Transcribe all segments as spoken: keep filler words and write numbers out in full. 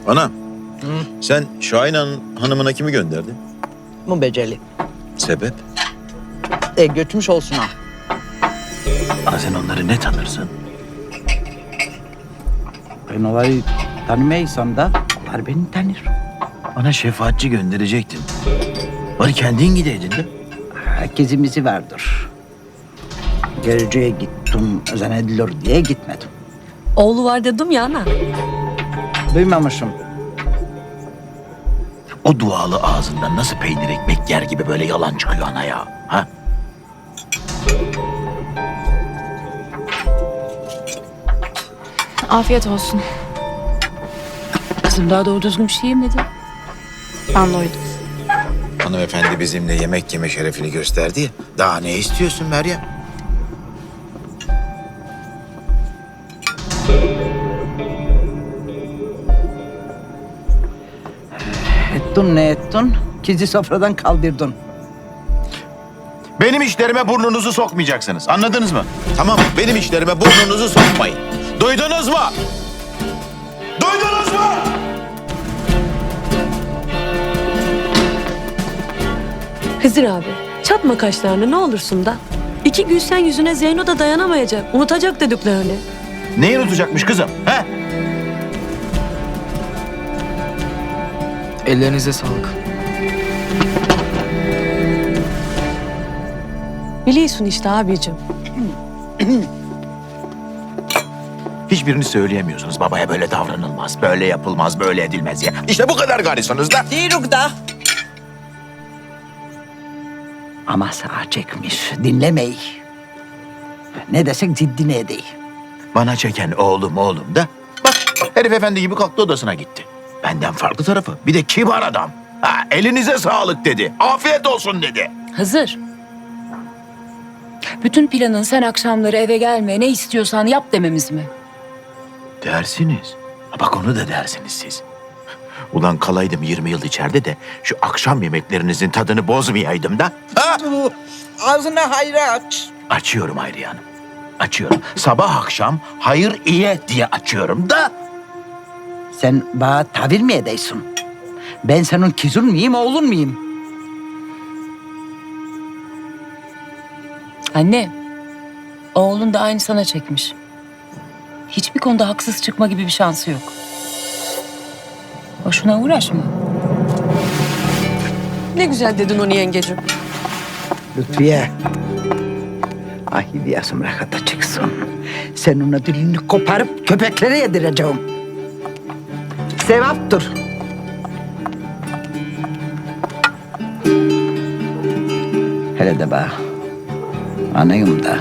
Ana, sen Şahin Han- hanımına kimi gönderdin? Bu beceri. Sebep? E götürmüş olsun ha. Ana sen onları ne tanırsın? Ben onları tanımaysam da onlar beni tanır. Bana şefaatçi gönderecektin. Bari kendin gideydin de. Herkesimizi vardır. Görücüye gittim, zannedilir diye gitmedim. Oğlu var dedim ya ana. Duymamışım. O dualı ağzından nasıl peynir ekmek yer gibi böyle yalan çıkıyor ana ya? Ha? Afiyet olsun. Kızım daha doğru düzgün bir şey yemedi. Ben doydum. Hanımefendi bizimle yemek yeme şerefini gösterdi ya. Daha ne istiyorsun Meryem? Ettin ne ettin? Kizi sofradan kaldırdın. Benim işlerime burnunuzu sokmayacaksınız. Anladınız mı? Tamam, benim işlerime burnunuzu sokmayın. Duydunuz mu? Duydunuz mu? Hızır abi, çatma kaşlarını ne olursun da. İki gün sen yüzüne Zeyno da dayanamayacak, unutacak dediklerini. Neyi unutacakmış kızım? He? Ellerinize sağlık. Biliyorsun işte abicim. Hiçbirini söyleyemiyorsunuz. Babaya böyle davranılmaz, böyle yapılmaz, böyle edilmez ya. İşte bu kadar garisanız da. Değilik da. Ama sağa çekmiş, dinlemeyi. Ne desek ciddine edeyim. Bana çeken oğlum oğlum da. Bak herif efendi gibi kalktı odasına gitti. Benden farklı tarafı. Bir de kibar adam. Ha, elinize sağlık dedi. Afiyet olsun dedi. Hızır. Bütün planın sen akşamları eve gelme, ne istiyorsan yap dememiz mi? Dersiniz. Ha, bak onu da dersiniz siz. Ulan kalaydım yirmi yıl içeride de şu akşam yemeklerinizin tadını bozmayaydım da. Ha? Ağzını hayra aç. Açıyorum Hayriye Hanım. Açıyorum. Sabah akşam hayır iyi diye açıyorum da. Sen bana tavır mı edeysin? Ben senin kızın mıyım, oğlun muyum? Anne, oğlun da aynı sana çekmiş. Hiçbir konuda haksız çıkma gibi bir şansı yok. Boşuna uğraşma. Ne güzel dedin onu yengecim. Lütfiye. Ahidiyasım rahata çıksın. Sen ona dilini koparıp köpeklere yedireceğim. Sevaptır. Hele de bak. Anayım da.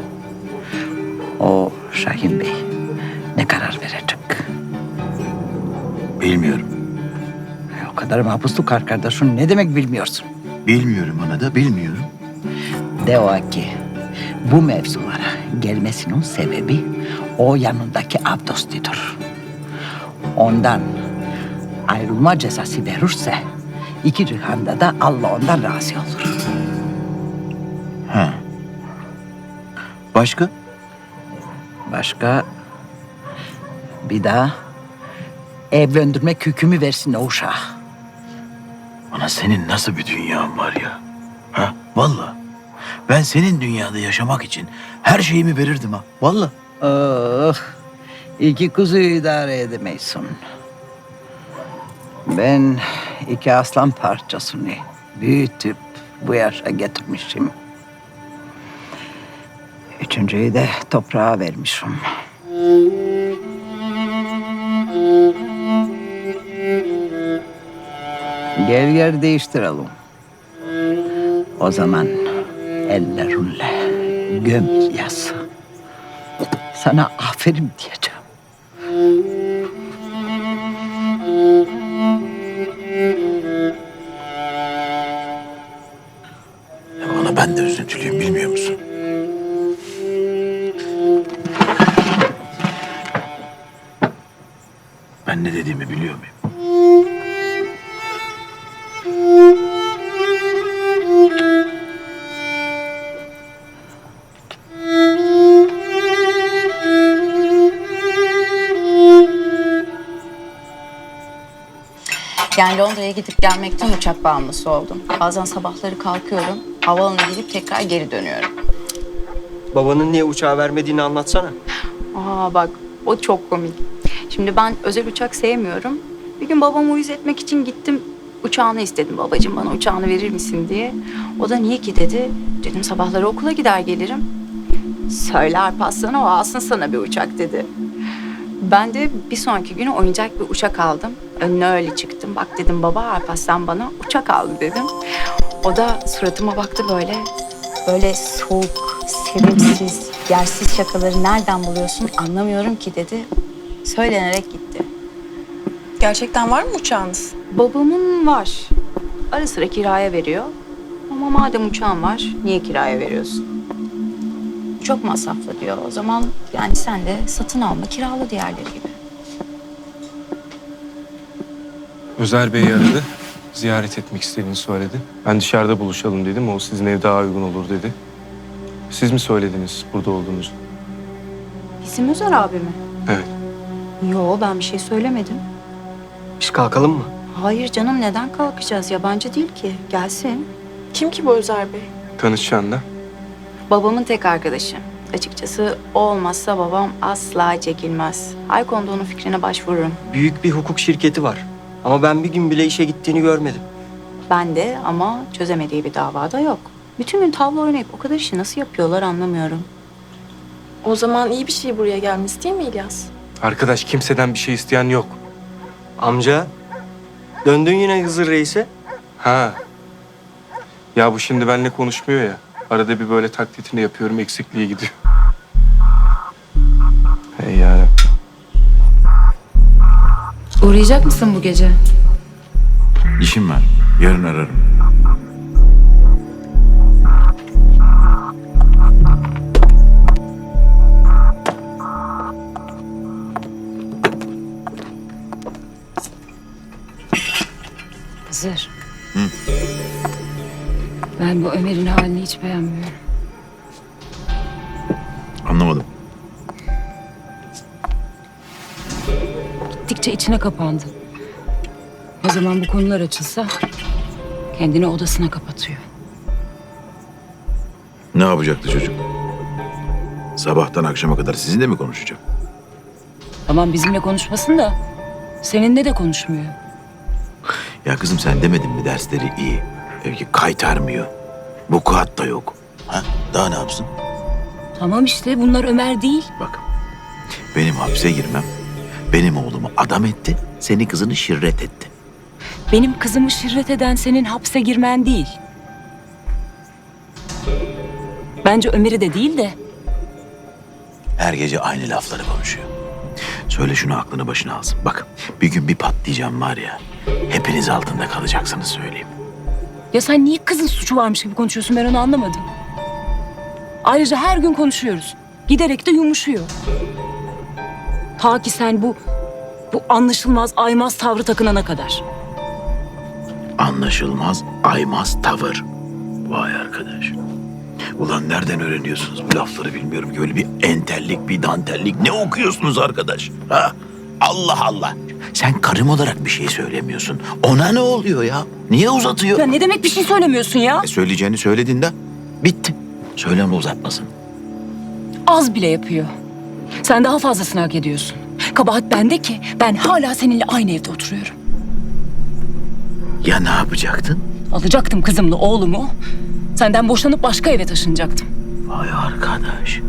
O Şahin Bey ne karar verecek? Bilmiyorum. O kadar mahpusluk var kardeşim. Ne demek bilmiyorsun? Bilmiyorum ana da bilmiyorum. De o ki bu mevzulara gelmesinin sebebi o yanındaki Abdosti'dir. Ondan ayrılma cezası verirse iki cihanda da Allah ondan razı olur. Ha. Başka? Başka bir daha evlendirmek hükmü versin o uşağa. Ana senin nasıl bir dünyan var ya? Ha? Vallahi. Ben senin dünyada yaşamak için her şeyimi verirdim ha. Vallahi. Oh, iki kuzuyu idare edemeysin. Ben iki aslan parçasını büyütüp bu yaşa getirmişim. Üçüncüyü de toprağa vermişim. Gel yer değiştirelim. O zaman ellerinle göm yaz. Sana aferin diyeceğim. Ya ana ben de üzüntülüyüm bilmiyor musun? Ben ne dediğimi biliyor muyum? Yani Londra'ya gidip gelmekten uçak bağımlısı oldum. Bazen sabahları kalkıyorum, havaalanına gidip tekrar geri dönüyorum. Babanın niye uçağı vermediğini anlatsana. Aa bak, o çok komik. Şimdi ben özel uçak sevmiyorum. Bir gün babamı uyuz etmek için gittim, uçağını istedim. Babacığım bana uçağını verir misin diye. O da niye ki dedi. Dedim sabahları okula gider gelirim. Söyle Alparslan'a o alsın sana bir uçak dedi. Ben de bir sonraki günü oyuncak bir uçak aldım. Önüne öyle çıktım. Bak dedim baba Alparslan bana uçak aldı dedim. O da suratıma baktı böyle. Böyle soğuk, sevimsiz, yersiz şakaları nereden buluyorsun anlamıyorum ki dedi. Söylenerek gitti. Gerçekten var mı uçağınız? Babamın var. Ara sıra kiraya veriyor. Ama madem uçağın var niye kiraya veriyorsun? Çok masraflı diyor. O zaman yani sen de satın alma, kirala diğerleri gibi. Özer Bey aradı. Ziyaret etmek istediğini söyledi. Ben dışarıda buluşalım dedim. O sizin ev daha uygun olur dedi. Siz mi söylediniz burada olduğunuzu? Bizim Özer abi mi? Evet. Yo ben bir şey söylemedim. Biz kalkalım mı? Hayır canım neden kalkacağız? Yabancı değil ki. Gelsin. Kim ki bu Özer Bey? Tanışacaksın da. Babamın tek arkadaşı. Açıkçası o olmazsa babam asla çekilmez. Ay konuda onun fikrine başvururum. Büyük bir hukuk şirketi var. Ama ben bir gün bile işe gittiğini görmedim. Ben de ama çözemediği bir davada yok. Bütün gün tavla oynayıp o kadar işi nasıl yapıyorlar anlamıyorum. O zaman iyi bir şey buraya gelmesi değil mi İlyas? Arkadaş kimseden bir şey isteyen yok. Amca, döndün yine Hızır Reis'e. Ha. Ya bu şimdi benimle konuşmuyor ya. Arada bir böyle taklitini yapıyorum, eksikliğe gidiyor. Hey yani. Uğrayacak mısın bu gece? İşim var. Yarın ararım. Hızır. Ben bu Ömer'in halini hiç beğenmiyorum. Anlamadım. Gittikçe içine kapandı. O zaman bu konular açılsa kendini odasına kapatıyor. Ne yapacaktı çocuk? Sabahtan akşama kadar sizinle mi konuşacak? Tamam bizimle konuşmasın da seninle de konuşmuyor. Ya kızım sen demedin mi dersleri iyi. Belki kaytarmıyor. Vukuat da yok. Ha? Daha ne yapsın? Tamam işte bunlar Ömer değil. Bak. Benim hapse girmem. Benim oğlumu adam etti. Senin kızını şirret etti. Benim kızımı şirret eden senin hapse girmen değil. Bence Ömer'i de değil de Her gece aynı lafları konuşuyor. Söyle şunu aklını başına alsın. Bak bir gün bir patlayacağım var ya. Hepiniz altında kalacaksınız söyleyeyim. ya sen niye kızın suçu varmış gibi konuşuyorsun ben onu anlamadım. Ayrıca her gün konuşuyoruz. Giderek de yumuşuyor. Ta ki sen bu bu anlaşılmaz aymaz tavrı takınana kadar. Anlaşılmaz, aymaz tavır. Vay arkadaş. Ulan nereden öğreniyorsunuz bu lafları bilmiyorum ki. Öyle bir entellik, bir dantellik. Ne okuyorsunuz arkadaş? Ha? Allah Allah. Sen karım olarak bir şey söylemiyorsun. Ona ne oluyor ya? Niye uzatıyor? Ya ne demek bir şey söylemiyorsun ya? E, söyleyeceğini söyledin de bitti. Söyleme uzatmasın. Az bile yapıyor. Sen daha fazlasını hak ediyorsun. Kabahat bende ki ben hala seninle aynı evde oturuyorum. Ya ne yapacaktın? Alacaktım kızımla oğlumu. Senden boşanıp başka eve taşınacaktım. Vay arkadaş.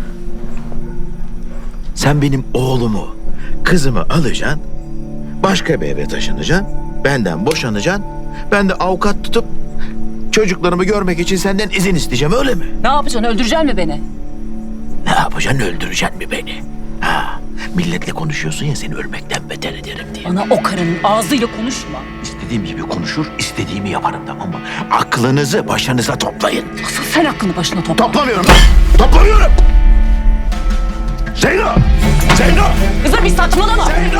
Sen benim oğlumu, kızımı alacaksın. Başka bir eve taşınacaksın. Benden boşanacaksın. Ben de avukat tutup çocuklarımı görmek için senden izin isteyeceğim öyle mi? Ne yapacaksın öldüreceksin mi beni? Ne yapacaksın öldüreceksin mi beni? Ha, milletle konuşuyorsun ya seni ölmekten beter ederim diye. Bana o karının ağzıyla konuşma. İstediğim gibi konuşur, istediğimi yaparım tamam mı? Aklınızı başınıza toplayın. Asıl sen aklını başına topla. Toplamıyorum ben. Toplamıyorum. Zeyno! Zeyno! Kızım bir saçmalama. Zeyno!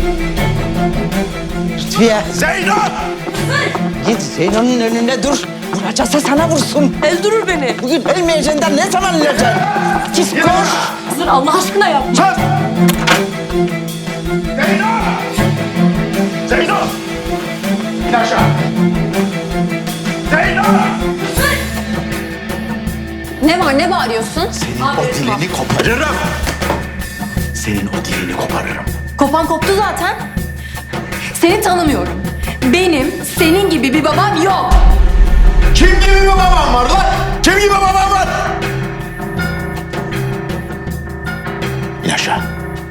Lütfiye Zeyno! git Zeyno'nun önünde dur. Vuracaksa sana vursun. Öldürür beni. Bugün ölmeyeceğinden ne zaman öleceksin? Git koş. Hızır Allah aşkına yapma. Sus! Zeyno! Zeyno! bağırıyorsun? Senin o dilini koparırım. Senin o dilini koparırım. Kopan koptu zaten. Seni tanımıyorum. Benim senin gibi bir babam yok. Kim gibi bir babam var lan? Kim gibi babam var? İn aşağı.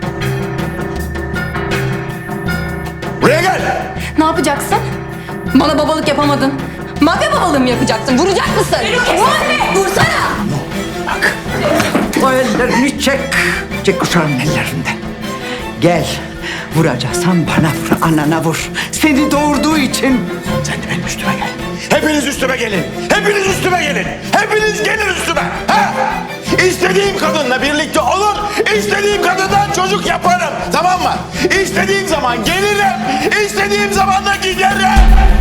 Buraya gel. Ne yapacaksın? Bana babalık yapamadın. Mafya babalığı mı yapacaksın? Vuracak mısın? Vur! Vursana! Bak. O ellerini çek. Çek uşağın ellerinden. Gel. Vuracaksan bana vur, anana vur. Seni doğurduğu için. Sen de benim üstüme gel. Hepiniz üstüme gelin. Hepiniz üstüme gelin. Hepiniz gelin üstüme. Ha? İstediğim kadınla birlikte olur. İstediğim kadından çocuk yaparım. Tamam mı? İstediğim zaman gelirim. İstediğim zaman da giderim.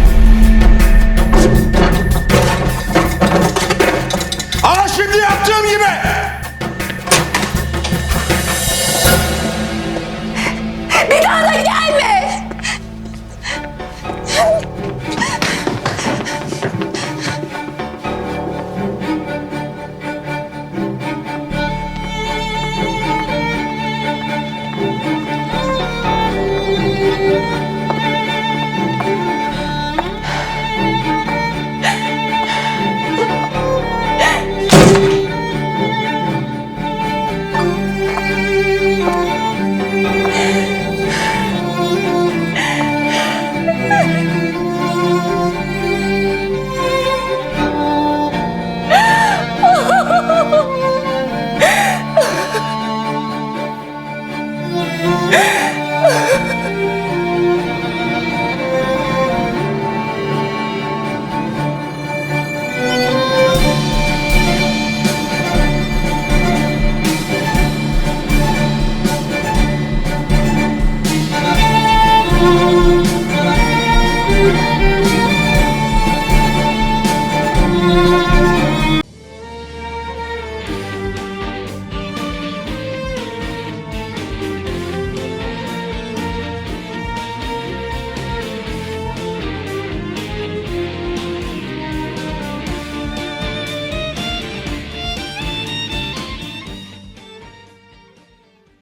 Ama şimdi yaptığım gibi. Bir daha da